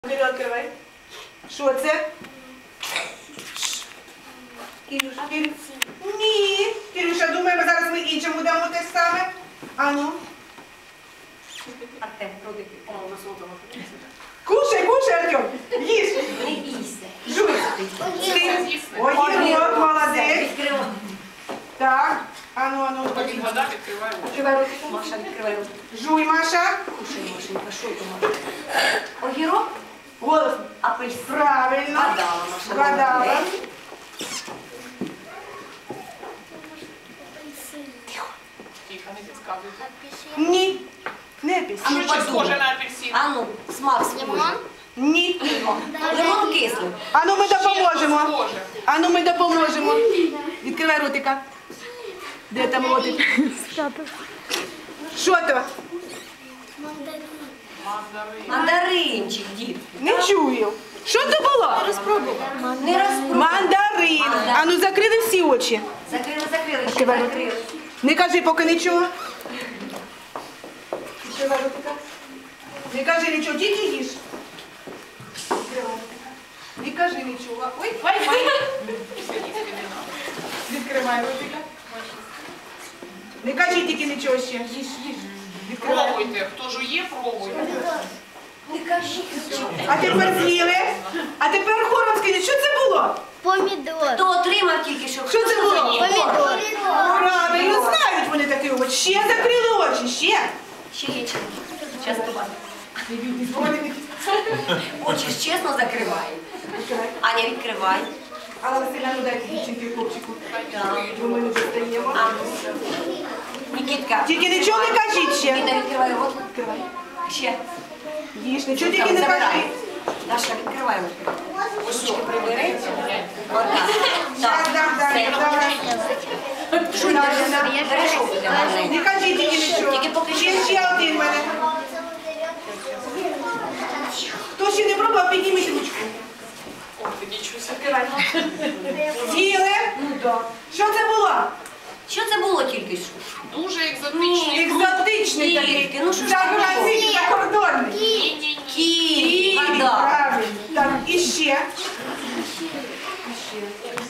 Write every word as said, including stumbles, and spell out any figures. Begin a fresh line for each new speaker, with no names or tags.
Кирило, відкривай. Що це? Кирюша. Ні. Кирюша, думаємо, зараз ми іншому дамо те саме. Ану.
Артем, роди.
О, у нас отома.
Кушай, кушай, Артем. Їж.
Не бійся.
Жуй. Ти. Огірок, молодець.
Відкривай.
Так. Ану, ану.
Поки вода відкриває очі.
Відкривай руки.
Маша, відкривай роти.
Жуй, Маша.
Кушай, Машенька, що то Маша? Огірок?
Голос.
Апельсин.
Правильно.
Гадала, Маша.
Гадала.
молодець.
Тихо, не підказуйте.
Ні. Не
А
пісь.
А ну,
що чи
подумай.
схоже на апельсин?
А ну, смак схожий.
Ні.
Лимон кислий.
Ану, ми допоможемо.
Схоже.
Ану, ми допоможемо. Відкривай ротика. Де там ротик? Що то?
Мандарин.
Мандаринчик, дід.
Не чую. Що це було?
Не розпробуй.
Мандарин. Ану, закрили всі очі.
Закрили, закрили, ще
Відкривай рот.
закрили.
Не кажи поки нічого. Відкривай ротика. Не кажи нічого, тільки їж. Відкривай. Не кажи нічого. Ой, ой, ой. Відкривай ротика. Не кажи тільки нічого ще. Їж, їж. Відкривай.
Пробуйте. Хто жує, пробуйте.
Не кажи.
А тепер з'їли. А тепер хором скажіть, що це було?
Помідор.
Хто отримав тільки що?
Що це було?
Помідор.
Правильно, знають вони такі очі. Ще закрили очі, ще.
Ще є чим. Зараз побачимо. Очі ж чесно закривай. Аня, відкривай.
Алла Васильівна, ну дайте дівчинки і хлопчику.
Так.
Бо ми не достаємо.
А, ну. Нікітка.
Тільки нічого не кажіть ще.
Ніна, відкривай рот.
Відкривай.
Ще.
Їж, нічого
Там,
тільки не
забирай.
кажи.
Даша, відкривай рот.
Ось
Ручки прибери. Отак.
Зараз
Так.
дам, дам,
Все.
давай.
Шуй, держи. Бережок буде
Не
маленький.
кажіть тільки нічого.
Тільки поки
Ще,
що.
ще один в мене. Хто ще не пробував, підніміть ручку.
Ох, ти нічого собі.
Відкривай. З'їли? Ну так. Що це було?
Що це було тільки що?
Дуже екзотичний фрукт.
Екзотичний такий.
Тільки, ну що ж
Заграничний, закордонний.
Ні-ні-ні.
Ківі.
Ківі,
Вода.
правильно. Так, і ще. І ще.